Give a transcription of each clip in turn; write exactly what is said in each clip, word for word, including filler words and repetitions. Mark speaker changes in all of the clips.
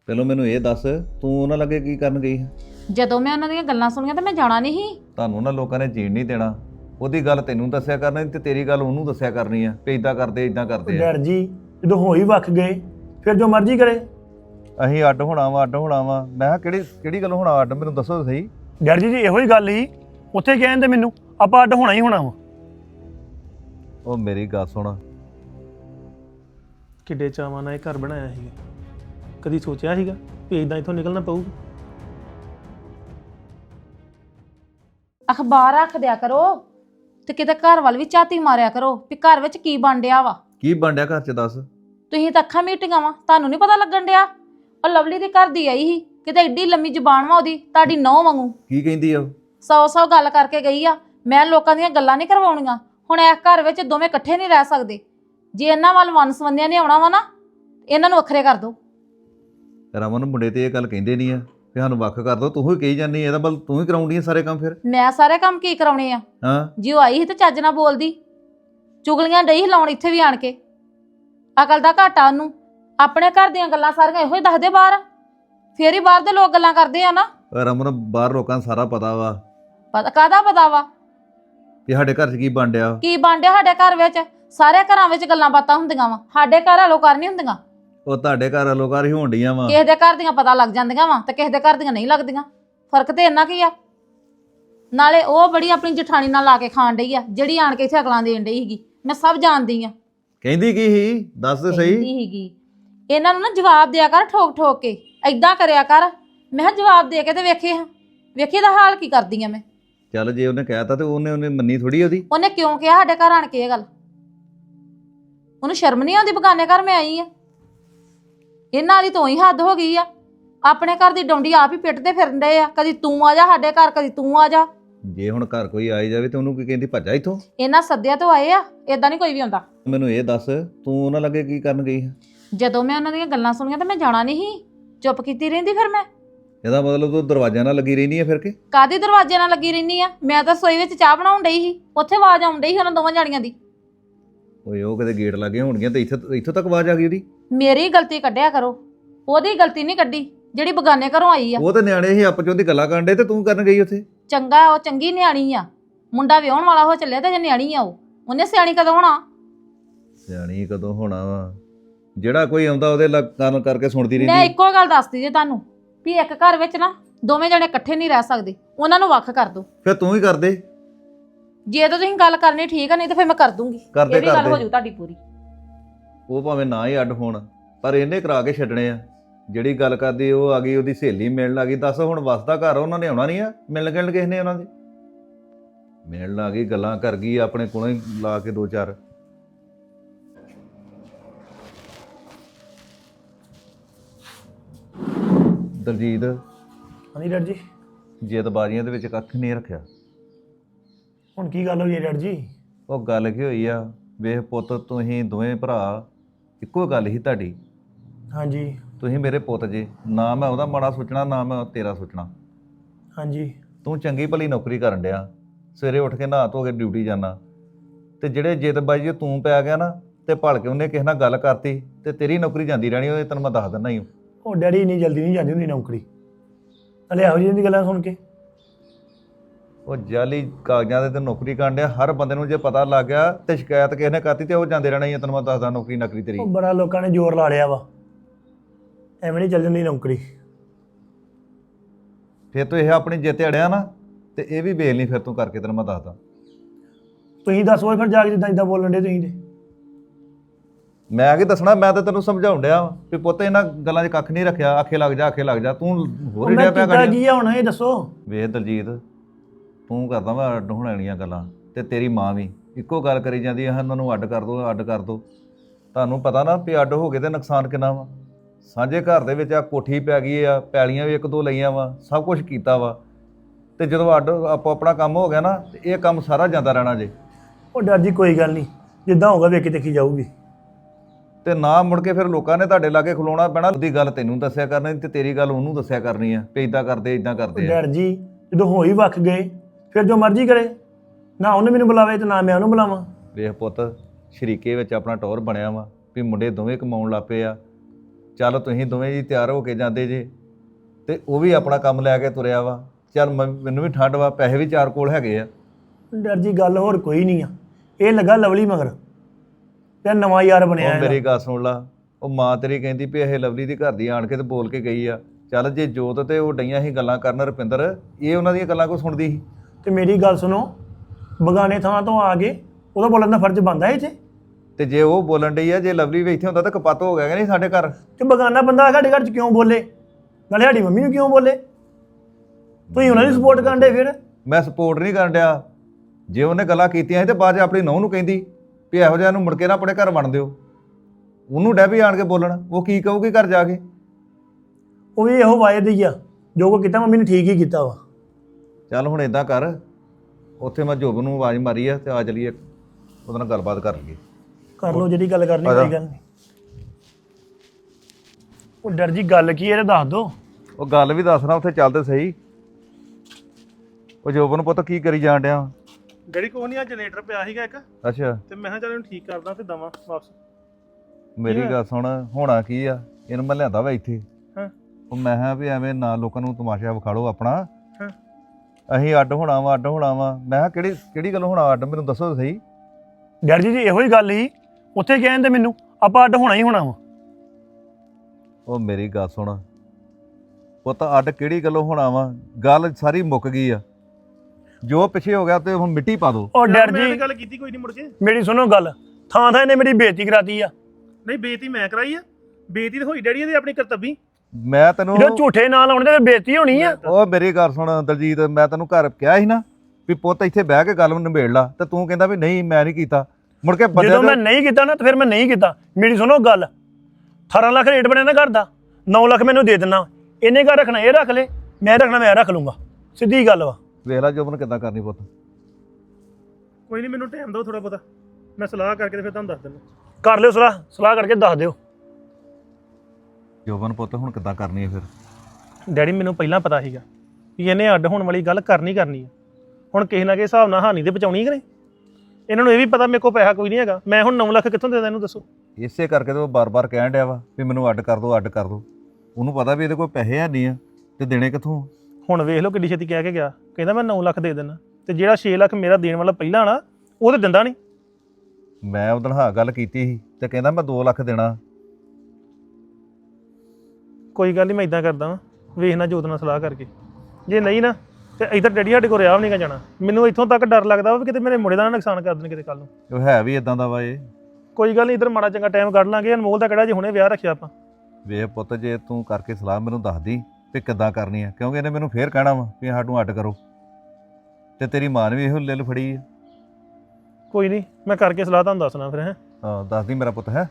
Speaker 1: ਪਹਿਲਾਂ ਮੈਨੂੰ ਇਹ ਦੱਸ ਤੂੰ ਉਹਨਾਂ ਲੱਗੇ ਕੀ ਕਰਨ ਗਈ ਹੈ?
Speaker 2: ਜਦੋਂ ਮੈਂ ਉਹਨਾਂ ਦੀਆਂ ਗੱਲਾਂ ਸੁਣੀਆਂ ਤਾਂ ਮੈਂ ਜਾਣਾ ਨਹੀਂ ਸੀ।
Speaker 1: ਤੁਹਾਨੂੰ ਨਾ ਲੋਕਾਂ ਨੇ ਜੀਣ ਨਹੀਂ ਦੇਣਾ। ਉਹਦੀ ਗੱਲ ਤੈਨੂੰ ਦੱਸਿਆ ਕਰਨੀ ਤੇ ਤੇਰੀ ਗੱਲ ਉਹਨੂੰ ਦੱਸਿਆ ਕਰਨੀ ਆ ਵੀ ਇਦਾਂ ਕਰਦੇ ਇਦਾਂ ਕਰਦੇ ਆ।
Speaker 3: ਡੈਡ ਜੀ ਜਦੋਂ ਹੋ ਹੀ ਵੱਖ ਗਏ ਫਿਰ ਜੋ ਮਰਜ਼ੀ ਕਰੇ।
Speaker 1: ਅਸੀਂ ਅੱਡ ਹੋਣਾ ਵਾ ਅੱਡ ਹੋਣਾ ਵਾ ਮੈਂ ਕਿਹਾ ਕਿਹੜੀ ਕਿਹੜੀ ਗੱਲ ਹੋਣਾ ਅੱਡ, ਮੈਨੂੰ ਦੱਸੋ ਸਹੀ।
Speaker 3: ਡੈਡ ਜੀ ਜੀ ਇਹੋ ਹੀ ਗੱਲ ਹੀ ਉੱਥੇ ਕਹਿੰਦੇ ਮੈਨੂੰ ਆਪਾਂ ਅੱਡ ਹੋਣਾ ਹੀ ਹੋਣਾ ਵਾ।
Speaker 1: ਉਹ ਮੇਰੀ ਗੱਲ ਸੁਣ,
Speaker 4: ਕਿੱਡੇ ਚਾਵਾਂ ਨਾਲ ਇਹ ਘਰ ਬਣਾਇਆ ਸੀਗਾ, ਕਦੀ ਸੋਚਿਆ ਸੀਗਾ ਵੀ ਇਦਾਂ ਇੱਥੋਂ ਨਿਕਲਣਾ ਪਊਗਾ?
Speaker 2: ਅਖਬਾਰ ਰੱਖ ਦਿਆ ਕਰੋ ਤੇ ਕਿਤੇ ਘਰ ਵੱਲ ਵੀ ਝਾਤੀ ਮਾਰਿਆ ਕਰੋ ਵੀ ਘਰ ਵਿੱਚ ਕੀ ਬਣ ਡਿਆ ਵਾ।
Speaker 1: ਕੀ ਬਣ ਡਿਆ ਘਰ 'ਚ ਦੱਸ।
Speaker 2: ਤੁਸੀਂ ਤਾਂ ਅੱਖਾਂ ਮੀਟੀਆਂ ਵਾ, ਤੁਹਾਨੂੰ ਨਹੀਂ ਪਤਾ ਲੱਗਣ ਡਿਆ। ਉਹ ਲਵਲੀ ਦੇ ਘਰ ਦੀ ਆਈ ਸੀ, ਕਿਤੇ ਏਡੀ ਲੰਮੀ ਜ਼ੁਬਾਨ ਵਾ ਉਹਦੀ, ਤੁਹਾਡੀ ਨਹੁੰ ਵਾਂਗੂ।
Speaker 1: ਕੀ ਕਹਿੰਦੀ ਆ ਉਹ?
Speaker 2: ਸੌ ਸੌ ਗੱਲ ਕਰਕੇ ਗਈ ਆ। ਮੈਂ ਲੋਕਾਂ ਦੀਆਂ ਗੱਲਾਂ ਨਹੀਂ ਕਰਵਾਉਣੀਆਂ। ਹੁਣ ਇਸ ਘਰ ਵਿੱਚ ਦੋਵੇਂ ਇਕੱਠੇ ਨਹੀਂ ਰਹਿ ਸਕਦੇ। ਜੇ ਇਹਨਾਂ ਵੱਲ ਵੰਸਵੰਦਿਆਂ ਨੇ ਆਉਣਾ ਵਾ ਨਾ, ਇਹਨਾਂ ਨੂੰ ਵੱਖਰੇ ਕਰ ਦਿਓ।
Speaker 1: ਰਮਨ ਮੁੰਡੇ ਤੇ ਇਹ ਗੱਲ ਕਹਿੰਦੇ ਨਹੀਂ ਆ ਵੀ ਸਾਨੂੰ ਵੱਖ ਕਰ ਦੋ, ਤੂੰ ਹੀ ਕਹੀ ਜਾਂਦੀ ਇਹਦਾ ਬਲ ਤੂੰ ਹੀ ਕਰਾਉਂਦੀ ਆ ਸਾਰੇ ਕੰਮ। ਫਿਰ
Speaker 2: ਮੈਂ ਸਾਰੇ ਕੰਮ ਕੀ ਕਰਾਉਣੇ ਆ?
Speaker 1: ਹਾਂ
Speaker 2: ਜੇ ਉਹ ਆਈ ਸੀ ਤੇ ਚੱਜ ਨਾਲ ਬੋਲਦੀ, ਚੁਗਲੀਆਂ ਡਈ ਹਿਲਾਉਣ ਇੱਥੇ ਵੀ ਆਣ ਕੇ। ਅਕਲ ਦਾ ਘਾਟਾ ਉਹਨੂੰ। ਆਪਣੇ ਘਰ ਦੀਆਂ ਗੱਲਾਂ ਸਾਰੀਆਂ ਇਹੋ ਹੀ ਦੱਸਦੇ ਬਾਹਰ, ਫੇਰ ਹੀ ਬਾਹਰ ਦੇ ਲੋਕ ਗੱਲਾਂ ਕਰਦੇ ਆ ਨਾ।
Speaker 1: ਰਮਨ ਬਾਹਰ ਲੋਕਾਂ ਨੂੰ ਸਾਰਾ ਪਤਾ ਵਾ
Speaker 2: ਪਤਾ ਕਾਹਦਾ ਪਤਾ ਵਾ
Speaker 1: ਕਿ ਸਾਡੇ ਘਰ 'ਚ ਕੀ ਬਣ ਡਿਆ।
Speaker 2: ਕੀ ਬਣ ਡਿਆ ਸਾਡੇ ਘਰ ਵਿੱਚ? ਸਾਰੇ ਘਰਾਂ ਵਿੱਚ ਗੱਲਾਂ ਬਾਤਾਂ ਹੁੰਦੀਆਂ ਵਾ, ਸਾਡੇ ਘਰ ਵਾਲੋ ਕਰ ਨਹੀਂ ਹੁੰਦੀਆਂ।
Speaker 1: ਉਹ ਤੁਹਾਡੇ ਘਰ ਵਾਲੋਂ ਘਰ ਹੀ ਹੋਣ ਡੀਆਂ ਵਾ।
Speaker 2: ਕਿਸੇ ਦੇ ਘਰ ਦੀਆਂ ਪਤਾ ਲੱਗ ਜਾਂਦੀਆਂ ਵਾ ਤੇ ਕਿਸੇ ਦੇ ਘਰ ਦੀਆਂ ਨਹੀਂ ਲੱਗਦੀਆਂ। ਫਰਕ ਤੇ ਇੰਨਾ ਕੀ ਆ। ਨਾਲੇ ਉਹ ਬੜੀ ਆਪਣੀ ਜਠਾਣੀ ਨਾਲ ਲਾ ਕੇ ਖਾਣ ਡਈ ਆ, ਜਿਹੜੀ ਆਣ ਕੇ ਇੱਥੇ ਅਕਲਾਂ ਦੇਣ ਡਈ ਸੀਗੀ। ਮੈਂ ਸਭ ਜਾਣਦੀ ਆ।
Speaker 1: ਕਹਿੰਦੀ ਕੀ ਸੀ ਦੱਸ ਤੇ ਸਹੀ।
Speaker 2: ਕਹਿੰਦੀ ਸੀਗੀ ਇਹਨਾਂ ਨੂੰ ਨਾ ਜਵਾਬ ਦਿਆ ਕਰ ਠੋਕ ਠੋਕ ਕੇ, ਐਦਾਂ ਕਰਿਆ ਕਰ। ਮੈਂ ਕਿਹਾ ਜਵਾਬ ਦੇ ਕੇ ਤੇ ਵੇਖੇ ਹਾਂ, ਵੇਖੀ ਦਾ ਹਾਲ ਕੀ ਕਰਦੀ ਆ ਮੈਂ।
Speaker 1: ਚੱਲ ਜੇ ਉਹਨੇ ਕਹਿਤਾ ਤੇ ਉਹਨੇ ਉਹਨੇ ਮੰਨੀ ਥੋੜੀ ਉਹਦੀ।
Speaker 2: ਉਹਨੇ ਕਿਉਂ ਕਿਹਾ ਸਾਡੇ ਘਰ ਆਣ ਕੇ ਇਹ ਗੱਲ? ਉਹਨੂੰ ਸ਼ਰਮ ਨਹੀਂ ਆਉਂਦੀ? ਬਗਾਨੇ ਘਰ ਮੈਂ ਆਈ ਆ। ਇਹਨਾਂ ਵਾਲੀ ਤੋਂ ਹੀ ਹੱਦ ਹੋ ਗਈ ਆ। ਆਪਣੇ ਘਰ ਦੀ ਡੌਂਡੀ ਆਪ ਹੀ ਪਿੱਟਦੇ ਫਿਰਨ ਡਏ ਆ। ਕਦੀ ਤੂੰ ਆ ਜਾ ਸਾਡੇ ਘਰ, ਕਦੀ ਤੂੰ ਆ ਜਾ।
Speaker 1: ਜੇ ਹੁਣ ਘਰ ਕੋਈ ਆਈ ਜਾਵੇ ਤੇ ਉਹਨੂੰ ਕੀ ਕਹਿੰਦੀ ਭੱਜਾ ਇੱਥੋਂ?
Speaker 2: ਇਹਨਾਂ ਸੱਦਿਆ ਤੋਂ ਆਏ ਆ, ਏਦਾਂ ਨਹੀਂ ਕੋਈ ਵੀ ਆਉਂਦਾ।
Speaker 1: ਮੈਨੂੰ ਇਹ ਦੱਸ ਤੂੰ ਉਹਨਾਂ ਲੱਗੇ ਕੀ ਕਰਨ ਗਈ ਹੈ?
Speaker 2: ਜਦੋਂ ਮੈਂ ਉਹਨਾਂ ਦੀਆਂ ਗੱਲਾਂ ਸੁਣੀਆਂ ਤਾਂ ਮੈਂ ਜਾਣਾ ਨਹੀਂ ਸੀ, ਚੁੱਪ ਕੀਤੀ ਰਹਿੰਦੀ। ਫਿਰ ਮੈਂ
Speaker 1: ਇਹਦਾ ਮਤਲਬ ਤੂੰ ਦਰਵਾਜ਼ਿਆਂ ਨਾਲ ਲੱਗੀ ਰਹਿੰਦੀ ਹੈ ਫਿਰ ਕੇ?
Speaker 2: ਕਾਹਦੀ ਦਰਵਾਜ਼ੇ ਨਾਲ ਲੱਗੀ ਰਹਿੰਦੀ ਆ? ਮੈਂ ਤਾਂ ਰਸੋਈ ਵਿੱਚ ਚਾਹ ਬਣਾਉਣ ਡਈ ਸੀ, ਉੱਥੇ ਆਵਾਜ਼ ਆਉਣ ਡਈ ਸੀ ਉਹਨਾਂ ਦੋਵਾਂ ਜਾਣੀਆਂ ਦੀ।
Speaker 1: ਓਏ ਉਹ ਕਿਤੇ ਗੇਟ ਲੱਗੇ ਹੋਣਗੀਆਂ ਤੇ ਇੱਥੇ ਇੱਥੋਂ ਤੱਕ ਆਵਾਜ਼ ਆ ਗਈ ਉਹਦੀ।
Speaker 2: ਮੇਰੀ ਗਲਤੀ ਕੱਢਿਆ ਕਰੋ, ਉਹਦੀ ਗਲਤੀ ਨਹੀਂ ਕੱਢੀ ਜਿਹੜੀ ਬਗਾਨੇ ਘਰੋਂ ਆਈ ਆ।
Speaker 1: ਉਹ ਤੇ ਨਿਆਣੇ ਸੀ ਆਪਸ ਦੀ ਗੱਲਾਂ ਕਰਨ ਡੇ ਤੇ ਤੂੰ ਕਰਨ ਗਈ ਉੱਥੇ।
Speaker 2: ਚੰਗਾ ਉਹ ਚੰਗੀ ਨਿਆਣੀ ਆ, ਮੁੰਡਾ ਵਿਆਹਣ ਵਾਲਾ ਹੋ ਚੱਲਿਆ ਤੇ ਜੇ ਨਿਆਣੀ ਆ ਉਹ, ਉਹਨੇ ਸਿਆਣੀ ਕਦੋਂ ਹੋਣਾ?
Speaker 1: ਸਿਆਣੀ ਕਦੋਂ ਹੋਣਾ ਵਾ? ਜਿਹੜਾ ਕੋਈ ਆਉਂਦਾ ਉਹਦੇ ਲੱਗ ਕੰਨ ਕਰਕੇ ਸੁਣਦੀ
Speaker 2: ਮੈਂ
Speaker 1: ਰਹਿੰਦੀ।
Speaker 2: ਇੱਕੋ ਗੱਲ ਦੱਸਦੀ ਜੇ ਤੁਹਾਨੂੰ ਵੀ ਇੱਕ ਘਰ ਵਿੱਚ ਨਾ ਦੋਵੇਂ ਜਣੇ ਇਕੱਠੇ ਨਹੀਂ ਰਹਿ ਸਕਦੇ, ਉਹਨਾਂ ਨੂੰ ਵੱਖ ਕਰ ਦਿਓ।
Speaker 1: ਫਿਰ ਤੂੰ ਹੀ ਕਰ ਦੇ।
Speaker 2: ਜੇ ਤਾਂ ਤੁਸੀਂ ਗੱਲ ਕਰਨੀ ਠੀਕ ਆ, ਨਹੀਂ ਤਾਂ ਫਿਰ ਮੈਂ ਕਰ ਦੂੰਗੀ।
Speaker 1: ਕਰਦੇ
Speaker 2: ਇਹ ਵੀ ਗੱਲ
Speaker 1: ਕਰਦੇ
Speaker 2: ਹੋ ਜੂ ਤੁਹਾਡੀ ਪੂਰੀ।
Speaker 1: ਉਹ ਭਾਵੇਂ ਨਾ ਹੀ ਅੱਡ ਹੋਣ ਪਰ ਇਹਨੇ ਕਰਾ ਕੇ ਛੱਡਣੇ ਆ। ਜਿਹੜੀ ਗੱਲ ਕਰਦੀ ਉਹ ਆ ਗਈ ਉਹਦੀ ਸਹੇਲੀ ਮਿਲਣ ਆ ਗਈ। ਦੱਸ ਹੁਣ ਵਸਦਾ ਘਰ ਉਹਨਾਂ ਨੇ ਆਉਣਾ ਨਹੀਂ ਆ? ਮਿਲਣ ਗਿਲਣ ਕਿਸੇ ਨੇ ਉਹਨਾਂ ਦੇ ਮਿਲਣ ਆ ਗਈ, ਗੱਲਾਂ ਕਰ ਗਈ ਆਪਣੇ ਕੋਲੋਂ ਹੀ ਲਾ ਕੇ ਦੋ ਚਾਰ। ਦਲਜੀਤ
Speaker 3: ਹਾਂਜੀ ਡੈਡ ਜੀ।
Speaker 1: ਜੇਦਬਾਜ਼ੀਆਂ ਦੇ ਵਿੱਚ ਕੱਖ ਨਹੀਂ ਰੱਖਿਆ।
Speaker 3: ਹੁਣ ਕੀ ਗੱਲ ਹੋਈ ਹੈ ਡੈਡ ਜੀ?
Speaker 1: ਉਹ ਗੱਲ ਕੀ ਹੋਈ ਆ, ਵੇਖ ਪੁੱਤ ਤੁਸੀਂ ਦੋਵੇਂ ਭਰਾ ਇੱਕੋ ਗੱਲ ਹੀ ਤੁਹਾਡੀ।
Speaker 3: ਹਾਂਜੀ
Speaker 1: ਤੁਸੀਂ ਮੇਰੇ ਪੁੱਤ ਜੇ, ਨਾ ਮੈਂ ਉਹਦਾ ਮਾੜਾ ਸੋਚਣਾ ਨਾ ਮੈਂ ਤੇਰਾ ਸੋਚਣਾ।
Speaker 3: ਹਾਂਜੀ
Speaker 1: ਤੂੰ ਚੰਗੀ ਭਲੀ ਨੌਕਰੀ ਕਰਨ ਡਿਆ, ਸਵੇਰੇ ਉੱਠ ਕੇ ਨਹਾ ਧੋ ਕੇ ਡਿਊਟੀ ਜਾਣਾ, ਤੇ ਜਿਹੜੇ ਜਿੱਦਬਾਜ਼ੀ ਜੇ ਤੂੰ ਪੈ ਗਿਆ ਨਾ ਤੇ ਭਲ ਕੇ ਉਹਨੇ ਕਿਸੇ ਨਾਲ ਗੱਲ ਕਰਤੀ ਤੇ ਤੇਰੀ ਨੌਕਰੀ ਜਾਂਦੀ ਰਹਿਣੀ। ਉਹ ਤੈਨੂੰ ਮੈਂ ਦੱਸ ਦਿੰਦਾ ਹੀ।
Speaker 3: ਉਹ ਡੈਡੀ ਇੰਨੀ ਜਲਦੀ ਨਹੀਂ ਜਾਂਦੀ ਹੁੰਦੀ ਨੌਕਰੀ। ਹਲੇ ਇਹੋ ਜਿਹੀ ਦੀ ਗੱਲਾਂ ਸੁਣ ਕੇ
Speaker 1: ਉਹ ਜਾਲੀ ਕਾਗਜ਼ਾਂ ਦੇ ਤੇ ਨੌਕਰੀ ਕਰਨ ਡਿਆ। ਹਰ ਬੰਦੇ ਨੂੰ ਜੇ ਪਤਾ ਲੱਗ ਗਿਆ ਤੇ ਸ਼ਿਕਾਇਤ ਕਿਸੇ ਨੇ ਕਰਤੀ ਤੇ ਉਹ ਜਾਂਦੇ ਰਹਿਣਾ ਹੀ। ਤੈਨੂੰ ਮੈਂ ਦੱਸਦਾ ਨੌਕਰੀ ਨਕਰੀ ਤੇਰੀ।
Speaker 3: ਉਹ ਬੜਾ ਲੋਕਾਂ ਨੇ ਜ਼ੋਰ ਲਾ ਲਿਆ ਵਾ, ਐਵੇਂ ਨਹੀਂ ਚੱਲ ਜਾਂਦੀ ਨੌਕਰੀ।
Speaker 1: ਫਿਰ ਤੂੰ ਇਹ ਆਪਣੀ ਜਿੱਤ ਅੜਿਆ ਨਾ ਤੇ ਇਹ ਵੀ ਵੇਲ ਨਹੀਂ ਫਿਰ ਤੂੰ ਕਰਕੇ। ਤੈਨੂੰ ਮੈਂ ਦੱਸਦਾ।
Speaker 3: ਤੁਸੀਂ ਦੱਸੋ ਫਿਰ ਜਾ ਕੇ ਜਿੱਦਾਂ ਇੱਦਾਂ ਬੋਲਣ ਡੇ ਤੁਸੀਂ ਤੇ।
Speaker 1: ਮੈਂ ਕੀ ਦੱਸਣਾ, ਮੈਂ ਤਾਂ ਤੈਨੂੰ ਸਮਝਾਉਣ ਡਿਆ ਵੀ ਪੁੱਤ ਇਹਨਾਂ ਗੱਲਾਂ 'ਚ ਕੱਖ ਨਹੀਂ ਰੱਖਿਆ। ਆਖੇ ਲੱਗ ਜਾ ਆਖੇ ਲੱਗ ਜਾ, ਤੂੰ ਹੋਰ ਹੀ
Speaker 3: ਮੈਂ
Speaker 1: ਡਿਆ ਪਿਆ
Speaker 3: ਕੀਤਾ
Speaker 1: ਕਰ।
Speaker 3: ਕੀ ਆ ਹੁਣ ਇਹ ਦੱਸੋ?
Speaker 1: ਵੇਖ ਦਲਜੀਤ, ਤੂੰ ਕਰਦਾ ਵਾ ਅੱਡ ਹੋਣ ਵਾਲੀਆਂ ਗੱਲਾਂ ਤੇ ਤੇਰੀ ਮਾਂ ਵੀ ਇੱਕੋ ਗੱਲ ਕਰੀ ਜਾਂਦੀ ਹੈ, ਇਹਨਾਂ ਨੂੰ ਅੱਡ ਕਰ ਦੋ ਅੱਡ ਕਰ ਦੋ। ਤੁਹਾਨੂੰ ਪਤਾ ਨਾ ਵੀ ਅੱਡ ਹੋ ਗਏ ਤੇ ਨੁਕਸਾਨ ਕਿੰਨਾ ਵਾ। ਸਾਂਝੇ ਘਰ ਦੇ ਵਿੱਚ ਆ ਕੋਠੀ ਪੈ ਗਈ ਆ, ਪੈਲੀਆਂ ਵੀ ਇੱਕ ਦੋ ਲਈਆਂ ਵਾ, ਸਭ ਕੁਝ ਕੀਤਾ ਵਾ, ਤੇ ਜਦੋਂ ਅੱਡ ਆਪੋ ਆਪਣਾ ਕੰਮ ਹੋ ਗਿਆ ਨਾ ਤੇ ਇਹ ਕੰਮ ਸਾਰਾ ਜਾਂਦਾ ਰਹਿਣਾ ਜੇ।
Speaker 3: ਉਹ ਡਰ ਜੀ ਕੋਈ ਗੱਲ ਨਹੀਂ, ਜਿੱਦਾਂ ਹੋਗਾ ਵੇਖੀ ਦੇਖੀ ਜਾਊਗੀ।
Speaker 1: ਤੇ ਨਾ ਮੁੜ ਕੇ ਫਿਰ ਲੋਕਾਂ ਨੇ ਤੁਹਾਡੇ ਲਾਗੇ ਖਲੋਣਾ ਪੈਣਾ। ਉਹਦੀ ਗੱਲ ਤੈਨੂੰ ਦੱਸਿਆ ਕਰਨੀ ਤੇ ਤੇਰੀ ਗੱਲ ਉਹਨੂੰ ਦੱਸਿਆ ਕਰਨੀ ਆ ਵੀ ਇਦਾਂ ਕਰਦੇ ਇਦਾਂ ਕਰਦੇ ਆ।
Speaker 3: ਡਰ ਜੀ ਜਦੋਂ ਹੋ ਹੀ ਵੱਖ ਗਏ ਫਿਰ ਜੋ ਮਰਜ਼ੀ ਕਰੇ, ਨਾ ਉਹਨੇ ਮੈਨੂੰ ਬੁਲਾਵੇ ਤੇ ਨਾ ਮੈਂ ਉਹਨੂੰ ਬੁਲਾਵਾਂ।
Speaker 1: ਵੇਖ ਪੁੱਤ, ਸ਼ਰੀਕੇ ਵਿੱਚ ਆਪਣਾ ਟੌਰ ਬਣਿਆ ਵਾ ਵੀ ਮੁੰਡੇ ਦੋਵੇਂ ਕਮਾਉਣ ਲੱਗ ਪਏ ਆ ਚੱਲ ਤੁਸੀਂ ਦੋਵੇਂ ਜੀ ਤਿਆਰ ਹੋ ਕੇ ਜਾਂਦੇ ਜੇ ਤੇ ਉਹ ਵੀ ਆਪਣਾ ਕੰਮ ਲੈ ਕੇ ਤੁਰਿਆ ਵਾ। ਚੱਲ ਮ- ਮੈਨੂੰ ਵੀ ਠੰਡ ਵਾ, ਪੈਸੇ ਵੀ ਚਾਰ ਕੋਲ ਹੈਗੇ ਆ।
Speaker 3: ਡਰ ਜੀ ਗੱਲ ਹੋਰ ਕੋਈ ਨਹੀਂ ਆ, ਇਹ ਲੱਗਾ ਲਵਲੀ ਮਗਰ ਤੇ ਨਵਾਂ ਯਾਰ ਬਣਿਆ
Speaker 1: ਉਹ
Speaker 3: ਇਹਦਾ।
Speaker 1: ਮੇਰੀ ਗੱਲ ਸੁਣ ਲਾ, ਉਹ ਮਾਂ ਤੇਰੀ ਕਹਿੰਦੀ ਵੀ ਇਹ ਲਵਲੀ ਦੀ ਘਰ ਦੀ ਆਣ ਕੇ ਤੇ ਬੋਲ ਕੇ ਗਈ ਆ। ਚੱਲ ਜੇ ਜੋਤ ਤੇ ਉਹ ਡਈਆਂ ਸੀ ਗੱਲਾਂ ਕਰਨ ਰੁਪਿੰਦਰ, ਇਹ ਉਹਨਾਂ ਦੀਆਂ ਗੱਲਾਂ ਕੋ ਸੁਣਦੀ ਸੀ?
Speaker 3: ਤੇ ਮੇਰੀ ਗੱਲ ਸੁਣੋ, ਬਗਾਨੇ ਥਾਂ ਤੋਂ ਆ ਕੇ ਉਹਦਾ ਬੋਲਣ ਦਾ ਫਰਜ਼ ਬਣਦਾ ਹੈ ਇੱਥੇ।
Speaker 1: ਤੇ ਜੇ ਉਹ ਬੋਲਣ ਡਈ ਆ, ਜੇ ਲਵਲੀ ਵੀ ਇੱਥੇ ਹੁੰਦਾ ਤਾਂ ਕਪੱਤ ਹੋ ਗਿਆ ਕਿ ਨਹੀਂ ਸਾਡੇ ਘਰ?
Speaker 3: ਤੇ ਬਗਾਨਾ ਬੰਦਾ ਸਾਡੇ ਘਰ 'ਚ ਕਿਉਂ ਬੋਲੇ, ਨਾਲੇ ਸਾਡੀ ਮੰਮੀ ਨੂੰ ਕਿਉਂ ਬੋਲੇ? ਤੁਸੀਂ ਉਹਨਾਂ ਦੀ ਸਪੋਰਟ ਕਰਨ ਡੇ ਫਿਰ।
Speaker 1: ਮੈਂ ਸਪੋਰਟ ਨਹੀਂ ਕਰਨ ਡਿਆ। ਜੇ ਉਹਨੇ ਗੱਲਾਂ ਕੀਤੀਆਂ ਸੀ ਤੇ ਬਾਅਦ 'ਚ ਆਪਣੀ ਨੂੰਹ ਨੂੰ ਕਹਿੰਦੀ ਵੀ ਇਹੋ ਜਿਹਾ ਨੂੰ ਮੁੜ ਕੇ ਨਾ ਆਪਣੇ ਘਰ ਵੜ ਦਿਓ। ਉਹਨੂੰ ਡੈ ਵੀ ਆਣ ਕੇ ਬੋਲਣ, ਉਹ ਕੀ ਕਹੂਗੀ ਘਰ ਜਾ ਕੇ?
Speaker 3: ਉਹ ਵੀ ਇਹੋ ਵਾਅਦੇ ਹੀ ਆ, ਜੋ ਕੋ ਕੀਤਾ ਮੰਮੀ ਨੇ ਠੀਕ ਹੀ ਕੀਤਾ ਵਾ।
Speaker 1: ਚੱਲ ਹੁਣ ਇਦਾਂ ਕਰ, ਉੱਥੇ ਮੈਂ ਜੋਬ ਨੂੰ ਆਵਾਜ਼ ਮਾਰੀ ਆ ਤੇ ਆ ਚਲੀਏ ਉਹਦੇ ਨਾਲ ਗੱਲਬਾਤ ਕਰ ਲਈਏ।
Speaker 3: ਕਰ ਲਓ ਜਿਹੜੀ ਗੱਲ ਕਰਨੀ,
Speaker 1: ਆ ਜਾ।
Speaker 3: ਕੋਈ ਗੱਲ ਨਹੀਂ। ਉਹ ਡਰ ਜੀ ਗੱਲ ਕੀ ਹੈ ਇਹ ਦੱਸ ਦੋ।
Speaker 1: ਉਹ ਗੱਲ ਵੀ ਦੱਸਣਾ, ਉੱਥੇ ਚੱਲਦੇ ਸਹੀ। ਉਹ ਜੋਬ ਨੂੰ ਪੁੱਤ ਕੀ ਕਰੀ ਜਾਣ ਡਿਆ?
Speaker 4: ਡੈਡੀ ਕੋਲ ਨਹੀਂ ਆ ਜਨਰੇਟਰ ਪਿਆ ਸੀਗਾ ਇੱਕ,
Speaker 1: ਅੱਛਾ,
Speaker 4: ਤੇ ਮੈਂ ਕਿਹਾ ਚੱਲ ਇਹਨੂੰ ਠੀਕ ਕਰਦਾ ਤੇ ਦਵਾਂ ਵਾਪਸ।
Speaker 1: ਮੇਰੀ
Speaker 4: ਕੀ
Speaker 1: ਗੱਲ ਸੁਣ, ਹੋਣਾ ਕੀ ਆ, ਇਹਨੂੰ ਮੈਂ ਲਿਆਂਦਾ ਵਾ ਇੱਥੇ।
Speaker 4: ਹਾਂ।
Speaker 1: ਉਹ ਮੈਂ ਕਿਹਾ ਵੀ ਐਵੇਂ ਨਾ ਲੋਕਾਂ ਨੂੰ ਤਮਾਸ਼ਾ ਵਿਖਾ ਲਓ ਆਪਣਾ।
Speaker 4: ਹਾਂ।
Speaker 1: ਅਸੀਂ ਅੱਡ ਹੋਣਾ ਵਾ, ਅੱਡ ਹੋਣਾ ਵਾ। ਮੈਂ ਕਿਹਾ ਕਿਹੜੀ ਕਿਹੜੀ ਗੱਲ ਹੋਣਾ ਅੱਡ, ਮੈਨੂੰ ਦੱਸੋ ਤਾਂ ਸਹੀ।
Speaker 3: ਡਰ ਜੀ ਜੀ ਇਹੋ ਹੀ ਗੱਲ ਸੀ, ਉੱਥੇ ਕਹਿੰਦੇ ਮੈਨੂੰ ਆਪਾਂ ਅੱਡ ਹੋਣਾ ਹੀ ਹੋਣਾ ਵਾ।
Speaker 1: ਉਹ ਮੇਰੀ ਗੱਲ ਸੁਣ ਪੁੱਤ, ਅੱਡ ਕਿਹੜੀ ਗੱਲੋਂ ਹੋਣਾ ਵਾ? ਗੱਲ ਸਾਰੀ ਮੁੱਕ ਗਈ ਆ। ਜੋ ਪਿੱਛੇ ਹੋ ਗਿਆ ਤੇ ਹੁਣ ਮਿੱਟੀ ਪਾ ਦੋ।
Speaker 3: ਉਹ ਡਰ
Speaker 4: ਮੈਂ
Speaker 3: ਜੀ
Speaker 4: ਤਾਂ ਗੱਲ ਕੀਤੀ ਕੋਈ ਨਹੀਂ ਮੁੜ ਕੇ।
Speaker 3: ਮੇਰੀ ਸੁਣੋ ਗੱਲ, ਥਾਂ ਥਾਂ ਇਹਨੇ ਮੇਰੀ ਬੇਇੱਜ਼ਤੀ ਕਰਾਤੀ ਆ।
Speaker 4: ਨਹੀਂ ਬੇਇੱਜ਼ਤੀ ਮੈਂ ਕਰਾਈ ਆ, ਬੇਇੱਜ਼ਤੀ ਤਾਂ ਹੋਈ ਡੈਡੀ ਇਹਦੀ ਆਪਣੀ ਕਰਤੱਬੀ।
Speaker 1: ਮੈਂ ਤੈਨੂੰ
Speaker 3: ਜਦੋਂ ਝੂਠੇ ਨਾਲ ਆਉਣੇ ਤੇ ਫਿਰ ਬੇਇੱਜ਼ਤੀ ਹੋਣੀ ਆ।
Speaker 1: ਉਹ ਮੇਰੀ ਗੱਲ ਸੁਣ ਦਲਜੀਤ, ਮੈਂ ਤੈਨੂੰ ਘਰ ਕਿਹਾ ਸੀ ਨਾ ਵੀ ਪੁੱਤ ਇੱਥੇ ਬਹਿ ਕੇ ਗੱਲ ਨੂੰ ਨਿਬੇੜ ਲਾ, ਤੇ ਤੂੰ ਕਹਿੰਦਾ ਵੀ ਨਹੀਂ ਮੈਂ ਨਹੀਂ ਕੀਤਾ। ਮੁੜ ਕੇ ਬੰਦੇ
Speaker 3: ਜਦੋਂ ਮੈਂ ਨਹੀਂ ਕੀਤਾ ਨਾ ਤੇ ਫਿਰ ਮੈਂ ਨਹੀਂ ਕੀਤਾ। ਮੇਰੀ ਸੁਣੋ ਗੱਲ, ਅਠਾਰਾਂ ਲੱਖ ਰੇਟ ਬਣਿਆ ਨਾ ਘਰ ਦਾ, ਨੌ ਲੱਖ ਮੈਨੂੰ ਦੇ ਦੇਣਾ। ਇਹਨੇ ਘਰ ਰੱਖਣਾ ਇਹ ਰੱਖ ਲੈ, ਮੈਂ ਰੱਖਣਾ ਮੈਂ ਰੱਖ ਲੂੰਗਾ, ਸਿੱਧੀ ਗੱਲ ਵਾ।
Speaker 1: ਵੇਖ ਲੈ ਜੋਬਨ ਕਿੱਦਾਂ ਕਰਨੀ ਪੁੱਤ।
Speaker 4: ਕੋਈ ਨਹੀਂ ਮੈਨੂੰ ਟਾਈਮ ਦਿਓ ਥੋੜਾ ਬਹੁਤਾ, ਮੈਂ ਸਲਾਹ ਕਰਕੇ ਤੇ ਫਿਰ ਤੁਹਾਨੂੰ ਦੱਸ ਦਿੰਦਾ।
Speaker 3: ਕਰ ਲਿਓ ਸਲਾਹ, ਸਲਾਹ ਕਰਕੇ ਦੱਸ ਦਿਓ।
Speaker 1: ਜੋਬਨ ਪੁੱਤ ਹੁਣ ਕਿੱਦਾਂ ਕਰਨੀ ਹੈ ਫਿਰ?
Speaker 4: ਡੈਡੀ ਮੈਨੂੰ ਪਹਿਲਾਂ ਪਤਾ ਸੀਗਾ ਵੀ ਇਹਨੇ ਅੱਡ ਹੋਣ ਵਾਲੀ ਗੱਲ ਕਰਨੀ ਕਰਨੀ ਆ। ਹੁਣ ਕਿਸੇ ਨਾ ਕਿਸੇ ਹਿਸਾਬ ਨਾਲ ਹਾਨੀ ਤੇ ਬਚਾਉਣੀ ਕਿ ਨਹੀਂ। ਇਹਨਾਂ ਨੂੰ ਇਹ ਵੀ ਪਤਾ ਮੇਰੇ ਕੋਲ ਪੈਸਾ ਕੋਈ ਨਹੀਂ ਹੈਗਾ, ਮੈਂ ਹੁਣ ਨੌ ਲੱਖ ਕਿੱਥੋਂ ਦੇ ਦਾਂ ਇਹਨੂੰ ਦੱਸੋ।
Speaker 1: ਇਸੇ ਕਰਕੇ ਤੇ ਉਹ ਬਾਰ-ਬਾਰ ਕਹਿਣ ਡਿਆ ਵਾ ਵੀ ਮੈਨੂੰ ਅੱਡ ਕਰ ਦੋ, ਅੱਡ ਕਰ ਦੋ। ਉਹਨੂੰ ਪਤਾ ਵੀ ਇਹਦੇ ਕੋਲ ਪੈਸੇ ਹੈ ਨਹੀਂ ਆ ਤੇ ਦੇਣੇ ਕਿੱਥੋਂ?
Speaker 4: ਹੁਣ ਵੇਖ ਲਓ ਕਿੱਡੀ ਛੇਤੀ ਕਹਿ ਕੇ ਗਿਆ, ਕਹਿੰਦਾ ਮੈਂ ਨੌ ਲੱਖ ਦੇ ਦੇਣਾ, ਤੇ ਜਿਹੜਾ ਛੇ ਲੱਖ ਮੇਰਾ ਦੇਣ ਵਾਲਾ ਪਹਿਲਾਂ ਵਾਲਾ ਉਹ ਤੇ ਦਿੰਦਾ ਨਹੀਂ।
Speaker 1: ਮੈਂ ਉਦੋਂ ਹਾਂ ਗੱਲ ਕੀਤੀ ਸੀ ਤੇ ਕਹਿੰਦਾ ਮੈਂ ਦੋ ਲੱਖ ਦੇਣਾ।
Speaker 4: ਕੋਈ ਗੱਲ ਨਹੀਂ, ਮੈਂ ਇਦਾਂ ਕਰਦਾ ਵਾਂ, ਵੇਖਣਾ ਜੋਤ ਨਾਲ ਸਲਾਹ ਕਰਕੇ, ਜੇ ਨਹੀਂ ਨਾ ਤੇ ਇੱਧਰ ਡੈਡੀ ਸਾਡੇ ਕੋਲ ਰਿਹਾ ਵੀ ਨਹੀਂ ਗਾ ਜਾਣਾ। ਮੈਨੂੰ ਇੱਥੋਂ ਤੱਕ ਡਰ ਲੱਗਦਾ ਵਾ ਵੀ ਕਿਤੇ ਮੇਰੇ ਮੁੰਡੇ ਦਾ ਨਾ ਨੁਕਸਾਨ ਕਰ ਦੇਣ ਕਿਤੇ ਕੱਲ ਨੂੰ।
Speaker 1: ਉਹ ਹੈ ਵੀ ਇਦਾਂ ਦਾ ਵਾ ਇਹ।
Speaker 4: ਕੋਈ ਗੱਲ ਨਹੀਂ, ਇੱਧਰ ਮਾੜਾ ਚੰਗਾ ਟਾਈਮ ਕੱਢ ਲਾਂਗੇ। ਅਨਮੋਲ ਦਾ ਕਿਹੜਾ ਜੇ ਹੁਣੇ ਵਿਆਹ ਰੱਖਿਆ ਆਪਾਂ।
Speaker 1: ਵੇ ਪੁੱਤ, ਜੇ ਤੂੰ ਕਰਕੇ ਸਲਾਹ ਮੈਨੂੰ ਦੱਸ ਦੀ ਵੀ ਕਿੱਦਾਂ ਕਰਨੀ ਆ, ਕਿਉਂਕਿ ਇਹਨੇ ਮੈਨੂੰ ਫੇਰ ਕਹਿਣਾ ਵਾ ਵੀ ਸਾਨੂੰ ਅੱਡ ਕਰੋ, ਤੇ ਤੇਰੀ ਮਾਂ ਨੇ ਵੀ ਇਹੋ ਲਿਲ ਫੜੀ ਆ।
Speaker 4: ਕੋਈ ਨਹੀਂ, ਮੈਂ ਕਰਕੇ ਸਲਾਹ ਤੁਹਾਨੂੰ ਦੱਸਣਾ ਫਿਰ। ਹੈ
Speaker 1: ਹਾਂ ਦੱਸ ਦੀ ਮੇਰਾ ਪੁੱਤ। ਹੈ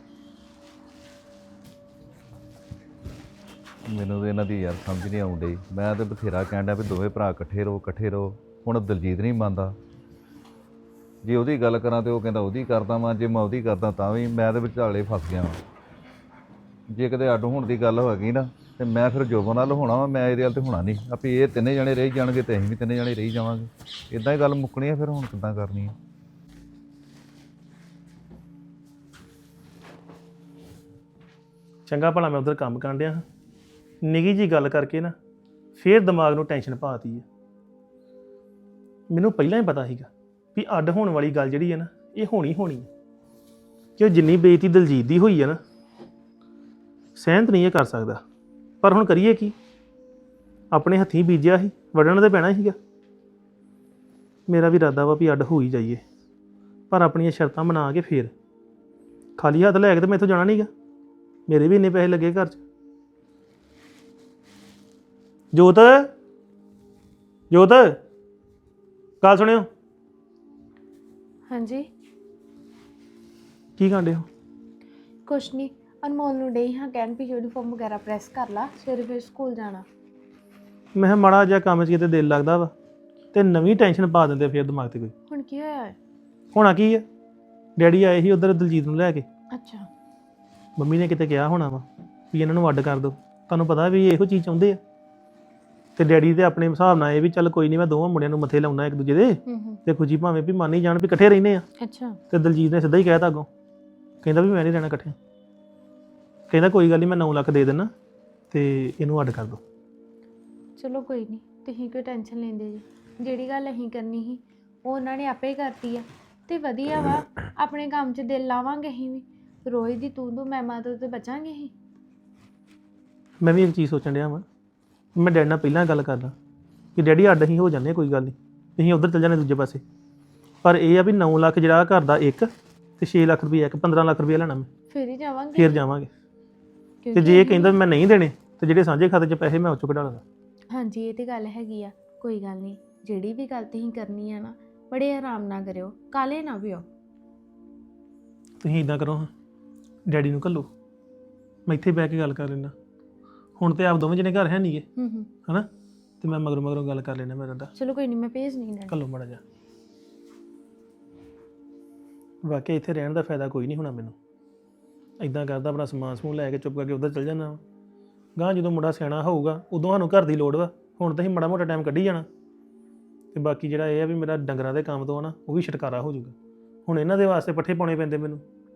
Speaker 1: ਮੈਨੂੰ ਤਾਂ ਇਹਨਾਂ ਦੀ ਯਾਰ ਸਮਝ ਨਹੀਂ ਆਉਣ ਡਈ। ਮੈਂ ਤਾਂ ਬਥੇਰਾ ਕਹਿਣ ਡਿਆ ਵੀ ਦੋਵੇਂ ਭਰਾ ਇਕੱਠੇ ਰਹੋ, ਇਕੱਠੇ ਰਹੋ। ਹੁਣ ਦਲਜੀਤ ਨਹੀਂ ਮੰਨਦਾ। ਜੇ ਉਹਦੀ ਗੱਲ ਕਰਾਂ ਤੇ ਉਹ ਕਹਿੰਦਾ ਉਹਦੀ ਕਰਦਾ ਵਾਂ, ਜੇ ਮੈਂ ਉਹਦੀ ਕਰਦਾ ਤਾਂ ਵੀ। ਮੈਂ ਤਾਂ ਵਿਚਾਲੇ ਫਸ ਗਿਆ ਵਾਂ। ਜੇ ਕਿਤੇ ਅੱਡ ਹੋਣ ਦੀ ਗੱਲ ਹੋ ਗਈ ਨਾ ਤੇ ਮੈਂ ਫਿਰ ਜੋਬਨ ਨਾਲ ਹੋਣਾ ਵਾ, ਮੈਂ ਇਹਦੇ ਵੱਲ ਤੇ ਹੋਣਾ ਨਹੀਂ। ਆਪੇ ਇਹ ਤਿੰਨੇ ਜਣੇ ਰਹੀ ਜਾਣਗੇ ਤੇ ਅਸੀਂ ਵੀ ਤਿੰਨੇ ਜਣੇ ਰਹੀ ਜਾਵਾਂਗੇ। ਇਦਾਂ ਹੀ ਗੱਲ ਮੁੱਕਣੀ ਆ। ਫਿਰ ਹੁਣ ਕਿੱਦਾਂ ਕਰਨੀ ਆ?
Speaker 4: ਚੰਗਾ ਭਲਾ ਮੈਂ ਉਧਰ ਕੰਮ ਕਰਨ ਡਿਆ ਹਾਂ, ਨਿੱਘੀ ਜੀ ਗੱਲ ਕਰਕੇ ਨਾ ਫੇਰ ਦਿਮਾਗ ਨੂੰ ਟੈਨਸ਼ਨ ਪਾਤੀ ਹੈ। ਮੈਨੂੰ ਪਹਿਲਾਂ ਹੀ ਪਤਾ ਸੀਗਾ ਵੀ ਅੱਡ ਹੋਣ ਵਾਲੀ ਗੱਲ ਜਿਹੜੀ ਹੈ ਨਾ ਇਹ ਹੋਣੀ ਹੋਣੀ ਹੈ, ਕਿ ਉਹ ਜਿੰਨੀ ਬੇਇੱਜ਼ਤੀ ਦਲਜੀਤ ਦੀ ਹੋਈ ਹੈ ਨਾ ਸਹਿਮਤ ਨਹੀਂ ਇਹ ਕਰ ਸਕਦਾ। ਪਰ ਹੁਣ ਕਰੀਏ ਕੀ, ਆਪਣੇ ਹੱਥੀਂ ਬੀਜਿਆ ਸੀ, ਵੱਢਣ ਤੇ ਪੈਣਾ ਸੀਗਾ। ਮੇਰਾ ਵੀ ਇਰਾਦਾ ਵਾ ਵੀ ਅੱਡ ਹੋ ਹੀ ਜਾਈਏ, ਪਰ ਆਪਣੀਆਂ ਸ਼ਰਤਾਂ ਬਣਾ ਕੇ ਫੇਰ। ਖਾਲੀ ਹੱਥ ਲੈ ਕੇ ਤੇ ਮੈਂ ਇੱਥੋਂ ਜਾਣਾ ਨਹੀਂਗਾ, ਮੇਰੇ ਵੀ ਇੰਨੇ ਪੈਸੇ ਲੱਗੇ ਘਰ 'ਚ। ਜੋਤ ਜੋਤ ਗੱਲ ਸੁਣਿਓ।
Speaker 5: ਹਾਂਜੀ
Speaker 4: ਕੀ ਕਾਂਡੇ ਹੋ?
Speaker 5: ਕੁਛ ਨਹੀਂ, ਅਨਮੋਲ ਨੂੰ ਡੇ ਹਾਂ ਕਹਿਣ ਵੀ ਯੂਨੀਫਾਰਮ ਵਗੈਰਾ ਪ੍ਰੈਸ ਕਰ ਲਾ, ਸਵੇਰੇ ਫਿਰ ਸਕੂਲ ਜਾਣਾ।
Speaker 4: ਮੈਂ ਕਿਹਾ ਮਾੜਾ ਜਿਹਾ ਕੰਮ 'ਚ ਕਿਤੇ ਦਿਲ ਲੱਗਦਾ ਵਾ ਤੇ ਨਵੀਂ ਟੈਨਸ਼ਨ ਪਾ ਦਿੰਦੇ ਫਿਰ ਦਿਮਾਗ ਤੇ। ਕੋਈ
Speaker 5: ਹੁਣ ਕੀ ਹੋਇਆ ਹੈ?
Speaker 4: ਹੋਣਾ ਕੀ ਹੈ, ਡੈਡੀ ਆਏ ਸੀ ਉਧਰ ਦਲਜੀਤ ਨੂੰ ਲੈ ਕੇ।
Speaker 5: ਅੱਛਾ,
Speaker 4: ਮੰਮੀ ਨੇ ਕਿਤੇ ਕਿਹਾ ਹੋਣਾ ਵਾ ਵੀ ਇਹਨਾਂ ਨੂੰ ਅੱਡ ਕਰ ਦਿਓ। ਤੁਹਾਨੂੰ ਪਤਾ ਵੀ ਇਹੋ ਚੀਜ਼ ਚਾਹੁੰਦੇ ਆ। ਤੇ ਡੈਡੀ ਤੇ ਆਪਣੇ ਹਿਸਾਬ ਨਾਲ ਇਹ ਵੀ ਚੱਲ ਕੋਈ ਨਹੀਂ, ਮੈਂ ਦੋਵਾਂ ਮੁੰਡਿਆਂ ਨੂੰ ਮੱਥੇ ਲਾਉਣਾ ਇੱਕ ਦੂਜੇ ਦੇ,
Speaker 5: ਹੂੰ ਹੂੰ
Speaker 4: ਤੇ ਖੁਸ਼ੀ ਭਾਵੇਂ ਵੀ ਮੰਨ ਹੀ ਜਾਣ ਵੀ ਇਕੱਠੇ ਰਹਿੰਦੇ ਆ।
Speaker 5: ਅੱਛਾ,
Speaker 4: ਤੇ ਦਲਜੀਤ ਨੇ ਸਿੱਧਾ ਹੀ ਕਹਿਤਾ ਅੱਗੋਂ, ਕਹਿੰਦਾ ਵੀ ਮੈਂ ਨਹੀਂ ਰਹਿਣਾ ਇਕੱਠੇ। ਕਹਿੰਦਾ ਕੋਈ ਗੱਲ ਨਹੀਂ ਮੈਂ ਨੌ ਲੱਖ ਦੇ ਦੇਣਾ ਤੇ ਇਹਨੂੰ ਅੱਡ ਕਰ ਦੋ।
Speaker 5: ਚਲੋ ਕੋਈ ਨਹੀਂ, ਤੁਸੀਂ ਕੋਈ ਟੈਨਸ਼ਨ ਲੈਂਦੇ ਜੀ। ਜਿਹੜੀ ਗੱਲ ਅਸੀਂ ਕਰਨੀ ਸੀ ਉਹ ਉਹਨਾਂ ਨੇ ਆਪੇ ਕਰਤੀ ਆ ਤੇ ਵਧੀਆ ਵਾ। ਆਪਣੇ ਕੰਮ 'ਚ ਦਿਲ ਲਾਵਾਂਗੇ ਅਸੀਂ ਵੀ, ਰੋਜ਼ ਦੀ ਤੂੰ ਤੂੰ ਮੈਂ ਮੈਂ ਤੋਂ ਤੇ ਬਚਾਂਗੇ ਅਸੀਂ।
Speaker 4: ਮੈਂ ਵੀ ਇੱਕ ਚੀਜ਼ ਸੋਚਣ ਡਿਆ ਵਾਂ, ਮੈਂ ਡੈਡੀ ਨਾਲ ਪਹਿਲਾਂ ਗੱਲ ਕਰਦਾ ਕਿ ਡੈਡੀ ਅੱਡ ਅਸੀਂ ਹੋ ਜਾਂਦੇ ਕੋਈ ਗੱਲ ਨਹੀਂ, ਅਸੀਂ ਉੱਧਰ ਚੱਲ ਜਾਂਦੇ ਦੂਜੇ ਪਾਸੇ। ਪਰ ਇਹ ਆ ਵੀ ਨੌ ਲੱਖ ਜਿਹੜਾ ਘਰ ਦਾ ਇੱਕ ਤੇ ਛੇ ਲੱਖ ਰੁਪਏ ਇੱਕ ਪੰਦਰਾਂ ਲੱਖ ਰੁਪਏ ਲੈਣਾ ਮੈਂ,
Speaker 5: ਫਿਰ ਹੀ ਜਾਵਾਂਗੇ।
Speaker 4: ਫਿਰ ਜਾਵਾਂਗੇ। ਤੇ
Speaker 5: ਕਿਉਂਕਿ
Speaker 4: ਜੇ ਇਹ ਕਹਿੰਦਾ ਮੈਂ ਨਹੀਂ ਦੇਣੇ ਤੇ ਜਿਹੜੇ ਸਾਂਝੇ ਖਾਤੇ 'ਚ ਪੈਸੇ ਮੈਂ ਉਹ 'ਚੋਂ ਕਢਾ ਲਾਂਗਾ।
Speaker 5: ਹਾਂਜੀ ਇਹ ਤੇ ਗੱਲ ਹੈਗੀ ਆ, ਕੋਈ ਗੱਲ ਨਹੀਂ। ਜਿਹੜੀ ਵੀ ਗੱਲ ਤੁਸੀਂ ਕਰਨੀ ਆ ਨਾ ਬੜੇ ਆਰਾਮ ਨਾਲ ਕਰਿਓ, ਕਾਲੇ ਨਾ ਪਿਓ।
Speaker 4: ਤੁਸੀਂ ਇਦਾਂ ਕਰੋ ਹਾਂ, ਡੈਡੀ ਨੂੰ ਘੱਲੋ, ਮੈਂ ਇੱਥੇ ਬਹਿ ਕੇ ਗੱਲ ਕਰ ਲੈਣਾ। ਹੁਣ ਤੇ ਆਪ ਦੋਵੇਂ ਜਣੇ ਘਰ ਹੈ ਨਹੀਂਗੇ
Speaker 5: ਹੂੰ ਹੂੰ
Speaker 4: ਹਨਾ, ਤੇ ਮੈਂ ਮਗਰੋਂ ਮਗਰੋਂ ਗੱਲ ਕਰ ਲੈਣਾ ਮੇਰਾ ਦਾ।
Speaker 5: ਚਲੋ ਕੋਈ ਨਹੀਂ, ਮੈਂ ਭੇਜ ਨਹੀਂ ਦੇਣਾ।
Speaker 4: ਘੱਲੋ ਮਾੜਾ ਜਾ। ਵਾਕਿਆ ਇੱਥੇ ਰਹਿਣ ਦਾ ਫਾਇਦਾ ਕੋਈ ਨਹੀਂ ਹੋਣਾ ਮੈਨੂੰ। ਇਦਾਂ ਕਰਦਾ ਆਪਣਾ ਸਮਾਨ ਸਮੂਹ ਲੈ ਕੇ ਚੁੱਪ ਕਰਕੇ ਉੱਧਰ ਚੱਲ ਜਾਣਾ। ਗਾਂ ਜਦੋਂ ਮੁੰਡਾ ਸਿਆਣਾ ਹੋਊਗਾ ਉਦੋਂ ਸਾਨੂੰ ਘਰ ਦੀ ਲੋੜ ਵਾ। ਹੁਣ ਤਾਂ ਅਸੀਂ ਮਾੜਾ ਮੋਟਾ ਟਾਈਮ ਕੱਢੀ ਜਾਣਾ। ਤੇ ਬਾਕੀ ਜਿਹੜਾ ਇਹ ਆ ਵੀ ਮੇਰਾ ਡੰਗਰਾਂ ਦੇ ਕੰਮ ਤੋਂ ਆ ਨਾ ਉਹ ਵੀ ਛੁਟਕਾਰਾ ਹੋ ਜਾਊਗਾ। ਹੁਣ ਇਹਨਾਂ ਦੇ ਵਾਸਤੇ ਪੱਠੇ ਪਾਉਣੇ ਪੈਂਦੇ ਮੈਨੂੰ।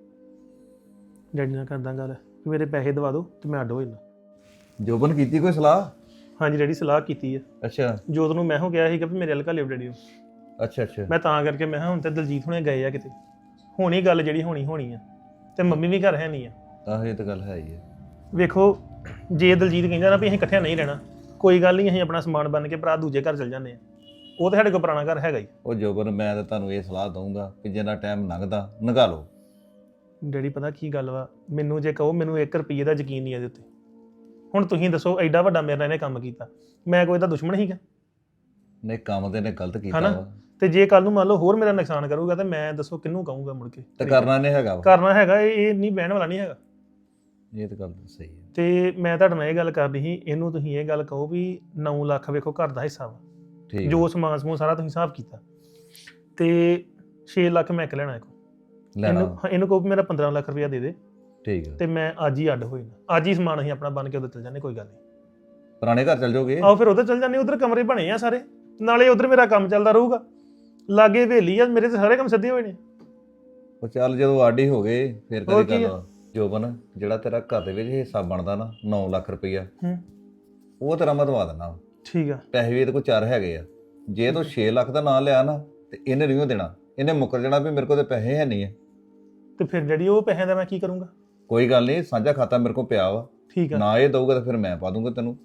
Speaker 4: ਡੈਡੀ ਨਾਲ ਕਰਦਾ ਗੱਲ ਕਿ ਮੇਰੇ ਪੈਸੇ ਦਵਾ ਦਿਓ ਤੇ ਮੈਂ ਅੱਡ ਹੋ ਜਾਣਾ।
Speaker 1: ਜੋਬਨ ਕੀਤੀ ਕੋਈ ਸਲਾਹ?
Speaker 4: ਹਾਂਜੀ ਡੈਡੀ ਸਲਾਹ ਕੀਤੀ ਆ।
Speaker 1: ਅੱਛਾ
Speaker 4: ਜੋਤ ਨੂੰ ਮੈਂ ਹੋ ਗਿਆ ਸੀਗਾ ਵੀ ਮੇਰੇ ਹਲਕਾ ਲਿਓ ਡੈਡੀ ਨੂੰ।
Speaker 1: ਅੱਛਾ ਅੱਛਾ
Speaker 4: ਮੈਂ ਤਾਂ ਕਰਕੇ ਮੈਂ ਕਿਹਾ ਹੁਣ ਤੇ ਦਲਜੀਤ ਹੁਣੇ ਗਏ ਆ ਕਿਤੇ, ਹੋਣੀ ਗੱਲ ਜਿਹੜੀ ਹੋਣੀ ਹੋਣੀ ਆ। ਤੇ ਮੰਮੀ ਵੀ ਘਰ ਹੈ ਨਹੀਂ ਆ।
Speaker 1: ਆਹ ਇਹ ਤਾਂ ਗੱਲ ਹੈ ਹੀ ਹੈ।
Speaker 4: ਵੇਖੋ ਜੇ ਦਲਜੀਤ ਕਹਿੰਦਾ ਨਾ ਵੀ ਅਸੀਂ ਇਕੱਠਿਆਂ ਨਹੀਂ ਰਹਿਣਾ, ਕੋਈ ਗੱਲ ਨਹੀਂ, ਅਸੀਂ ਆਪਣਾ ਸਮਾਨ ਬੰਨ ਕੇ ਭਰਾ ਦੂਜੇ ਘਰ ਚਲ ਜਾਂਦੇ ਆ। ਉਹ ਤਾਂ ਸਾਡੇ ਕੋਲ ਪੁਰਾਣਾ ਘਰ ਹੈਗਾ ਹੀ।
Speaker 1: ਉਹ ਜੋਬਨ ਮੈਂ ਤਾਂ ਤੁਹਾਨੂੰ ਇਹ ਸਲਾਹ ਦਊਂਗਾ ਕਿ ਜਿੰਨਾ ਟਾਈਮ ਲੰਘਦਾ ਲੰਘਾ ਲਓ।
Speaker 4: ਡੈਡੀ ਪਤਾ ਕੀ ਗੱਲ ਵਾ, ਮੈਨੂੰ ਜੇ ਕਹੋ ਮੈਨੂੰ ਇੱਕ ਰੁਪਈਏ ਦਾ ਯਕੀਨ ਨਹੀਂ ਇਹਦੇ ਉੱਤੇ। ਹੁਣ ਤੁਸੀਂ ਦੱਸੋ ਐਡਾ ਵੱਡਾ ਮੇਰੇ ਨਾਲ ਇਹਨੇ ਕੰਮ ਕੀਤਾ, ਮੈਂ ਕੋਈ ਇਹਦਾ ਦੁਸ਼ਮਣ ਸੀਗਾ?
Speaker 1: ਨਹੀਂ ਕੰਮ ਤੇ ਨੇ ਗਲਤ ਕੀਤਾ
Speaker 4: ਹਨਾ?
Speaker 1: ਵਾ
Speaker 4: ਤੇ ਜੇ ਕੱਲ ਨੂੰ ਮੰਨ ਲਓ ਹੋਰ ਮੇਰਾ ਨੁਕਸਾਨ ਕਰੂਗਾ ਤੇ ਮੈਂ ਦੱਸੋ ਕਿਹਨੂੰ ਕਹੂੰਗਾ ਮੁੜ ਕੇ?
Speaker 1: ਤੇ ਕਰਨਾ ਨਹੀਂ ਹੈਗਾ ਵਾ।
Speaker 4: ਕਰਨਾ ਹੈਗਾ, ਇਹ ਇਹ ਨਹੀਂ ਬਹਿਣ ਵਾਲਾ ਨਹੀਂ ਹੈਗਾ।
Speaker 1: ਇਹ ਤਾਂ ਗੱਲ ਸਹੀ ਹੈ।
Speaker 4: ਤੇ ਮੈਂ ਤੁਹਾਡੇ ਨਾਲ ਇਹ ਗੱਲ ਕਰਨੀ ਸੀ, ਇਹਨੂੰ ਤੁਸੀਂ ਇਹ ਗੱਲ ਕਹੋ ਵੀ ਨੌ ਲੱਖ ਵੇਖੋ ਘਰ ਦਾ ਹਿੱਸਾ ਵਾ,
Speaker 1: ਠੀਕ
Speaker 4: ਜੋ ਸਮਾਨ ਸਮੂਹ ਸਾਰਾ ਤੁਸੀਂ ਹਿਸਾਬ ਕੀਤਾ, ਤੇ ਛੇ ਲੱਖ ਮੈਂ ਇੱਕ ਲੈਣਾ।
Speaker 1: ਲੈਣਾ
Speaker 4: ਇਹਨੂੰ ਹਾਂ, ਇਹਨੂੰ ਕਹੋ ਵੀ ਮੇਰਾ ਪੰਦਰਾਂ ਲੱਖ ਰੁਪਇਆ ਦੇ ਦੇ
Speaker 1: ਠੀਕ ਹੈ।
Speaker 4: ਤੇ ਮੈਂ ਅੱਜ ਹੀ ਅੱਡ ਹੋ ਜਾਣਾ। ਅੱਜ ਹੀ ਸਮਾਨ ਅਸੀਂ ਆਪਣਾ ਬਣ ਕੇ ਉਧਰ ਚੱਲ ਜਾਂਦੇ, ਕੋਈ ਗੱਲ ਨਹੀਂ।
Speaker 1: ਪੁਰਾਣੇ ਘਰ ਚੱਲ ਜਾਓਗੇ?
Speaker 4: ਆਓ ਫਿਰ ਉਧਰ ਚੱਲ ਜਾਂਦੇ, ਉਧਰ ਕਮਰੇ ਬਣੇ ਆ ਸਾਰੇ, ਨਾਲੇ ਉਧਰ ਮੇਰਾ ਕੰਮ ਚੱਲਦਾ ਰਹੂਗਾ। ਲਾਗੇ ਹਵੇਲੀ ਆ, ਮੇਰੇ ਤੇ ਸਾਰੇ ਕੰਮ ਸਿੱਧੇ ਹੋਏ ਨੇ।
Speaker 1: ਉਹ ਚੱਲ ਜਦੋਂ ਆਡੀ ਹੋ ਗਏ ਫਿਰ
Speaker 4: ਹੋਰ
Speaker 1: ਕਦੀ
Speaker 4: ਕੀ
Speaker 1: ਗੱਲ
Speaker 4: ਆ?
Speaker 1: ਆ। ਜੋਬਨ ਜਿਹੜਾ ਤੇਰਾ ਘਰ ਦੇ ਵਿੱਚ ਹਿੱਸਾ ਬਣਦਾ ਨਾ ਨੌ ਲੱਖ ਰੁਪਈਆ,
Speaker 4: ਹੂੰ
Speaker 1: ਉਹ ਤੇਰਾ ਮੈਂ ਦਵਾ ਦਿੰਦਾ।
Speaker 4: ਠੀਕ ਆ।
Speaker 1: ਪੈਸੇ ਵੀ ਇਹਦੇ ਕੋਲ ਚਾਰ ਹੈਗੇ ਆ। ਜੇ ਤੂੰ ਛੇ ਲੱਖ ਦਾ ਨਾਂ ਲਿਆ ਨਾ ਤੇ ਇਹਨੇ ਨਹੀਂ ਦੇਣਾ, ਇਹਨੇ ਮੁੱਕਰ ਜਾਣਾ ਵੀ ਮੇਰੇ ਕੋਲ ਤੇ ਪੈਸੇ ਹੈ ਨਹੀਂ ਆ।
Speaker 4: ਤੇ ਫਿਰ ਜਿਹੜੀ ਉਹ ਪੈਸਿਆਂ ਦਾ ਮੈਂ ਕੀ ਕਰੂੰਗਾ?
Speaker 1: ਕੋਈ ਗੱਲ ਨਹੀਂ, ਸਾਂਝਾ ਖਾਤਾ ਮੇਰੇ ਕੋਲ ਪਿਆ ਵਾ।
Speaker 4: ਠੀਕ ਆ,
Speaker 1: ਨਾ ਇਹ ਦਊਗਾ ਤਾਂ ਫਿਰ ਮੈਂ ਪਾ ਦੂੰਗਾ ਤੈਨੂੰ।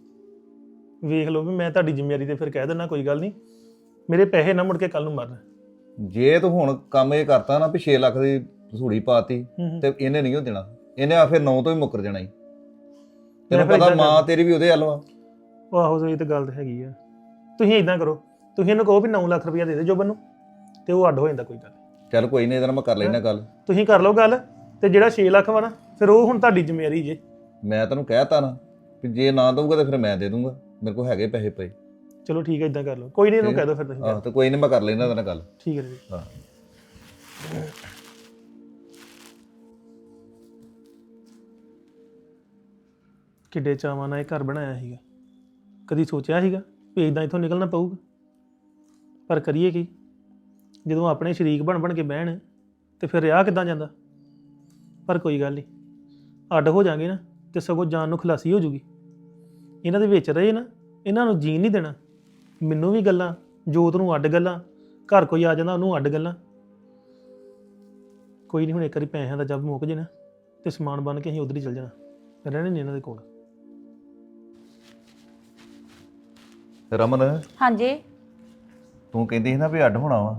Speaker 4: ਵੇਖ ਲਓ ਵੀ ਮੈਂ ਤੁਹਾਡੀ ਜ਼ਿੰਮੇਵਾਰੀ ਤੇ ਫਿਰ ਕਹਿ ਦਿੰਦਾ, ਕੋਈ ਗੱਲ ਨਹੀਂ, ਮੇਰੇ ਪੈਸੇ ਨਾ ਮੁੜ ਕੇ ਕੱਲ ਨੂੰ ਮਰਨ।
Speaker 1: ਜੇ ਤੂੰ ਹੁਣ ਕੰਮ ਇਹ ਕਰਤਾ ਨਾ ਵੀ ਛੇ ਲੱਖ ਦੀ ਵਸੂਲੀ ਪਾਤੀ
Speaker 4: ਹੂੰ ਹੂੰ।
Speaker 1: ਤੇ ਇਹਨੇ ਨਹੀਂ ਦੇਣਾ, ਇਹਨੇ ਆ ਫਿਰ ਨੌ ਤੋਂ ਹੀ ਮੁੱਕਰ ਜਾਣਾ ਹੀ। ਤੈਨੂੰ
Speaker 4: ਫਿਰ
Speaker 1: ਪਤਾ
Speaker 4: ਏਦਾਂ
Speaker 1: ਮਾਂ
Speaker 4: ਕਰ-
Speaker 1: ਤੇਰੀ ਵੀ ਉਹਦੇ ਹੱਲ ਵਾ।
Speaker 4: ਉਹ ਆਹੋ ਇਹ ਤਾਂ ਗੱਲ ਤਾਂ ਹੈਗੀ ਆ। ਤੁਸੀਂ ਇਦਾਂ ਕਰੋ, ਤੁਸੀਂ ਇਹਨੂੰ ਕਹੋ ਵੀ ਨੌ ਲੱਖ ਰੁਪਇਆ ਦੇ ਦੇ ਜੋਬਨ ਨੂੰ ਤੇ ਉਹ ਅੱਡ ਹੋ ਜਾਂਦਾ, ਕੋਈ ਗੱਲ ਨਹੀਂ।
Speaker 1: ਚੱਲ ਕੋਈ ਨਹੀਂ, ਇਹਦੇ ਨਾਲ ਮੈਂ ਕਰ ਲੈਣਾ ਗੱਲ।
Speaker 4: ਤੁਸੀਂ ਕਰ ਲਓ ਗੱਲ, ਤੇ ਜਿਹੜਾ ਛੇ ਲੱਖ ਵਾ ਨਾ ਫਿਰ ਉਹ ਹੁਣ ਤੁਹਾਡੀ ਜ਼ਿੰਮੇਵਾਰੀ ਜੇ।
Speaker 1: ਮੈਂ ਤੈਨੂੰ ਕਹਿਤਾ ਨਾ ਕਿ ਜੇ ਨਾ ਦਊਗਾ ਤਾਂ ਫਿਰ ਮੈਂ ਦੇ ਦੂੰਗਾ, ਮੇਰੇ ਕੋਲ ਹੈਗੇ ਪੈਸੇ ਪਏ।
Speaker 4: ਚਲੋ ਠੀਕ ਹੈ, ਇਦਾਂ ਕਰ ਲਓ, ਕੋਈ ਨਹੀਂ, ਇਹਨੂੰ
Speaker 1: ਠੀਕ।
Speaker 4: ਕਹਿ ਦਿਓ ਫਿਰ ਤੁਸੀਂ।
Speaker 1: ਆਹ ਤੇ ਕੋਈ ਨਹੀਂ, ਮੈਂ ਕਰ ਲੈਣਾ ਇਹਦੇ ਨਾਲ ਗੱਲ।
Speaker 4: ਠੀਕ ਹੈ ਜੀ।
Speaker 1: ਹਾਂ
Speaker 4: ਕਿੱਡੇ ਚਾਵਾਂ ਨਾਲ ਇਹ ਘਰ ਬਣਾਇਆ ਸੀਗਾ, ਕਦੀ ਸੋਚਿਆ ਸੀਗਾ ਵੀ ਇਦਾਂ ਇੱਥੋਂ ਨਿਕਲਣਾ ਪਊਗਾ? ਪਰ ਕਰੀਏ ਕੀ, ਜਦੋਂ ਆਪਣੇ ਸ਼ਰੀਕ ਬਣ ਬਣ ਕੇ ਬਹਿਣ ਤੇ ਫਿਰ ਰਿਹਾ ਕਿੱਦਾਂ ਜਾਂਦਾ? ਪਰ ਕੋਈ ਗੱਲ ਨਹੀਂ, ਅੱਡ ਹੋ ਜਾਾਂਗੇ ਨਾ ਤੇ ਸਗੋਂ ਜਾਨ ਨੂੰ ਖਲਾਸੀ ਹੋ ਜੂਗੀ। ਇਹਨਾਂ ਦੇ ਵਿੱਚ ਰਹੇ ਨਾ, ਇਹਨਾਂ ਨੂੰ ਜੀਣ ਨਹੀਂ ਦੇਣਾ। ਮੈਨੂੰ ਵੀ ਗੱਲਾਂ, ਜੋਤ ਨੂੰ ਅੱਡ ਗੱਲਾਂ, ਘਰ ਕੋਈ ਆ ਜਾਂਦਾ ਉਹਨੂੰ ਅੱਡ ਗੱਲਾਂ। ਕੋਈ ਨਹੀਂ, ਹੁਣ ਇੱਕ ਵਾਰੀ ਪੈਸਿਆਂ ਦਾ ਜੱਬ ਮੁੱਕ ਜੇ ਨਾ ਤੇ ਸਮਾਨ ਬਣ ਕੇ ਅਸੀਂ ਉਧਰ ਹੀ ਚੱਲ ਜਾਣਾ, ਰਹਿਣਾ ਨਹੀਂ ਇਹਨਾਂ ਦੇ ਕੋਲ।
Speaker 1: ਰਮਨ,
Speaker 2: ਹਾਂਜੀ
Speaker 1: ਤੂੰ ਕਹਿੰਦੀ ਸੀ ਨਾ ਵੀ ਅੱਡ ਹੋਣਾ ਵਾ।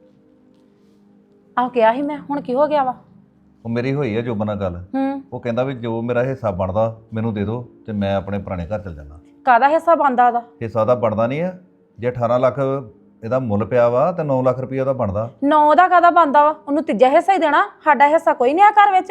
Speaker 2: ਆਹ ਕਿਹਾ ਸੀ ਮੈਂ, ਹੁਣ ਕੀ ਹੋ ਗਿਆ ਵਾ?
Speaker 1: ਉਹ ਮੇਰੀ ਹੋਈ ਆ ਜੋਬਨ ਨਾਲ ਗੱਲ।
Speaker 2: ਹੂੰ
Speaker 1: ਉਹ ਕਹਿੰਦਾ ਵੀ ਜੋ ਮੇਰਾ ਹਿੱਸਾ ਬਣਦਾ ਮੈਨੂੰ ਦੇ ਦਿਓ ਤੇ ਮੈਂ ਆਪਣੇ ਪੁਰਾਣੇ ਘਰ ਚਲ ਜਾਣਾ।
Speaker 2: ਕਾਹਦਾ ਹਿੱਸਾ ਬਣਦਾ ਉਹਦਾ?
Speaker 1: ਹਿੱਸਾ ਦਾ ਬਣਦਾ ਨਹੀਂ ਆ। ਜੇ ਅਠਾਰਾਂ ਲੱਖ ਇਹਦਾ ਮੁੱਲ ਪਿਆ ਵਾ ਤੇ ਨੌ ਲੱਖ ਰੁਪਈਆ ਦਾ ਬਣਦਾ।
Speaker 2: ਨੌ ਦਾ ਕਾਹਦਾ ਬਣਦਾ ਵਾ? ਉਹਨੂੰ ਤੀਜਾ ਹਿੱਸਾ ਹੀ ਦੇਣਾ। ਸਾਡਾ ਹਿੱਸਾ ਕੋਈ ਨਹੀਂ ਆ ਘਰ ਵਿੱਚ।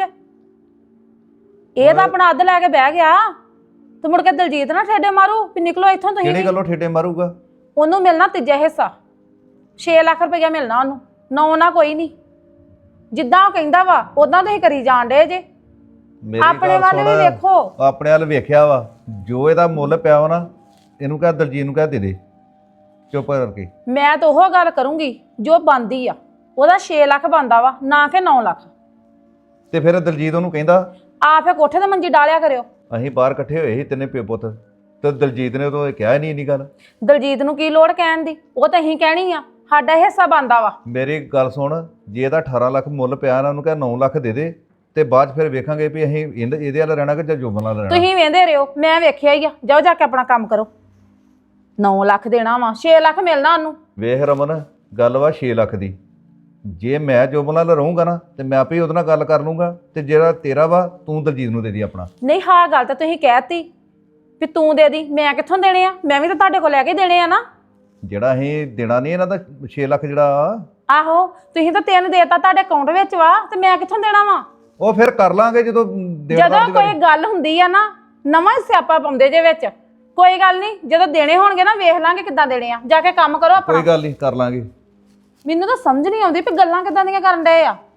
Speaker 2: ਇਹ ਤਾਂ ਆਪਣਾ ਅੱਧ ਲੈ ਕੇ ਬਹਿ ਗਿਆ ਤੇ ਮੁੜ ਕੇ ਦਲਜੀਤ ਨਾ ਠੇਡੇ ਮਾਰੂ ਵੀ ਨਿਕਲੋ ਇੱਥੋਂ ਤੁਸੀਂ
Speaker 1: ਕਿਹੜੀ
Speaker 2: ਵੀ।
Speaker 1: ਗੱਲੋਂ ਠੇਡੇ ਮਾਰੂਗਾ?
Speaker 2: ਉਹਨੂੰ ਮਿਲਣਾ ਤੀਜਾ ਹਿੱਸਾ, ਛੇ ਲੱਖ ਰੁਪਇਆ ਮਿਲਣਾ ਉਹਨੂੰ, ਨੌ ਨਾ ਕੋਈ ਨਹੀਂ। ਜਿੱਦਾਂ ਉਹ ਕਹਿੰਦਾ ਵਾ ਉਦਾਂ ਤੁਸੀਂ ਕਰੀ ਜਾਣ ਡੇ ਜੇ।
Speaker 1: ਮੇਰੀ
Speaker 2: ਆਪਣੇ
Speaker 1: ਗੱਲ
Speaker 2: ਵੱਲ ਵੀ
Speaker 1: ਸੁਣ,
Speaker 2: ਵੇਖੋ।
Speaker 1: ਆਪਣੇ ਵੱਲ ਵੇਖਿਆ ਵਾ, ਜੋ ਇਹਦਾ ਮੁੱਲ ਪਿਆ ਵਾ ਨਾ ਇਹਨੂੰ ਕਹਿ ਦਲਜੀਤ ਨੂੰ ਕਹਿ ਦੇ ਦੇ ਚੁੱਪ ਕਰਕੇ।
Speaker 2: ਮੈਂ ਤਾਂ ਉਹ ਗੱਲ ਕਰੂੰਗੀ ਜੋ ਬਣਦੀ ਆ। ਉਹਦਾ ਛੇ ਲੱਖ ਬਣਦਾ ਵਾ, ਨਾ ਕਿ ਨੌ ਲੱਖ।
Speaker 1: ਤੇ ਫਿਰ ਦਲਜੀਤ ਉਹਨੂੰ ਕਹਿੰਦਾ
Speaker 2: ਆ ਫੇ ਕੋਠੇ ਤੇ ਮੰਜੀ ਡਾਲਿਆ ਕਰਿਓ।
Speaker 1: ਅਸੀਂ ਬਾਹਰ ਇਕੱਠੇ ਹੋਏ ਸੀ ਤਿੰਨੇ ਪਿਓ ਪੁੱਤ, ਤੇ ਦਲਜੀਤ ਨੇ ਉਦੋਂ ਇਹ ਕਿਹਾ ਹੀ ਨਹੀਂ ਇੰਨੀ ਗੱਲ।
Speaker 2: ਦਲਜੀਤ ਨੂੰ ਕੀ ਲੋੜ ਕਹਿਣ ਦੀ, ਉਹ ਤਾਂ ਅਸੀਂ ਕਹਿਣੀ ਆ, ਸਾਡਾ ਹਿੱਸਾ ਬਣਦਾ ਵਾ।
Speaker 1: ਮੇਰੀ ਗੱਲ ਸੁਣ, ਜੇ ਇਹਦਾ ਅਠਾਰਾਂ ਲੱਖ ਮੁੱਲ ਪਿਆ ਨਾ, ਉਹਨੂੰ ਕਹਿ ਨੌ ਲੱਖ ਦੇ ਦੇ, ਤੇ ਬਾਅਦ 'ਚ ਫਿਰ ਵੇਖਾਂਗੇ ਵੀ ਅਸੀਂ ਇਹਦੇ ਇਹਦੇ ਵੱਲ ਰਹਿਣਾ ਕਿ ਜਾਂ ਜੋਬਨ ਨਾਲ ਰਹਿਣਾ।
Speaker 2: ਤੁਸੀਂ ਵੇਂਦੇ ਰਹੋ, ਮੈਂ ਵੇਖਿਆ ਹੀ ਆ। ਜਾਓ ਜਾ ਕੇ ਆਪਣਾ ਕੰਮ ਕਰੋ। ਨੌ ਲੱਖ ਦੇਣਾ ਵਾ, ਛੇ ਲੱਖ ਮਿਲਣਾ ਉਹਨੂੰ।
Speaker 1: ਵੇਖ ਰਮਨ, ਗੱਲ ਵਾ ਛੇ ਲੱਖ ਦੀ। ਜੇ ਮੈਂ ਜੋਬਨ ਨਾਲ ਰਹੂੰਗਾ ਨਾ ਤੇ ਮੈਂ ਆਪੇ ਉਹਦੇ ਨਾਲ ਗੱਲ ਕਰ ਲੂੰਗਾ, ਤੇ ਜਿਹੜਾ ਤੇਰਾ ਵਾ ਤੂੰ ਦਲਜੀਤ ਨੂੰ ਦੇ ਦੀ ਆਪਣਾ।
Speaker 2: ਨਹੀਂ ਹਾਂ ਗੱਲ ਤਾਂ ਤੁਸੀਂ ਕਹਿਤੀ ਵੀ ਤੂੰ ਦੇ ਦੀ, ਮੈਂ ਕਿੱਥੋਂ ਦੇਣੇ ਆ? ਮੈਂ ਵੀ ਤਾਂ ਤੁਹਾਡੇ ਕੋਲ ਲੈ ਕੇ ਦੇਣੇ ਆ ਨਾ।
Speaker 1: ਜਿਹੜਾ ਅਸੀਂ ਦੇਣਾ ਨਹੀਂ ਇਹਨਾਂ ਦਾ ਛੇ ਲੱਖ ਜਿਹੜਾ,
Speaker 2: ਆਹੋ ਤੁਸੀਂ ਤਾਂ ਤਿੰਨ ਦੇਤਾ ਤੁਹਾਡੇ ਅਕਾਊਂਟ ਵਿੱਚ ਵਾ, ਤੇ ਮੈਂ ਕਿੱਥੋਂ ਦੇਣਾ ਵਾ?
Speaker 1: ਉਹ ਫਿਰ ਕਰ ਲਾਂਗੇ ਜਦੋਂ ਦੇਣ
Speaker 2: ਜਦੋਂ
Speaker 1: ਦਾ
Speaker 2: ਕੋਈ ਗੱਲ ਹੁੰਦੀ ਆ ਨਾ, ਨਵਾਂ ਹੀ ਸਿਆਪਾ ਪਾਉਂਦੇ ਜੇ ਵਿੱਚ। ਕੋਈ ਗੱਲ ਨਹੀਂ, ਜਦੋਂ ਦੇਣੇ ਹੋਣਗੇ ਨਾ ਵੇਖ ਲਾਂਗੇ ਕਿੱਦਾਂ ਦੇਣੇ ਆ। ਜਾ ਕੇ ਕੰਮ ਕਰੋ ਆਪਣਾ।
Speaker 1: ਕੋਈ ਗੱਲ ਨਹੀਂ, ਕਰ ਲਾਂਗੇ।
Speaker 2: ਮੈਨੂੰ ਤਾਂ ਸਮਝ ਨਹੀਂ ਆਉਂਦੀ ਵੀ ਗੱਲਾਂ ਕਿੱਦਾਂ ਦੀਆਂ ਕਰਨ ਡਏ ਆ।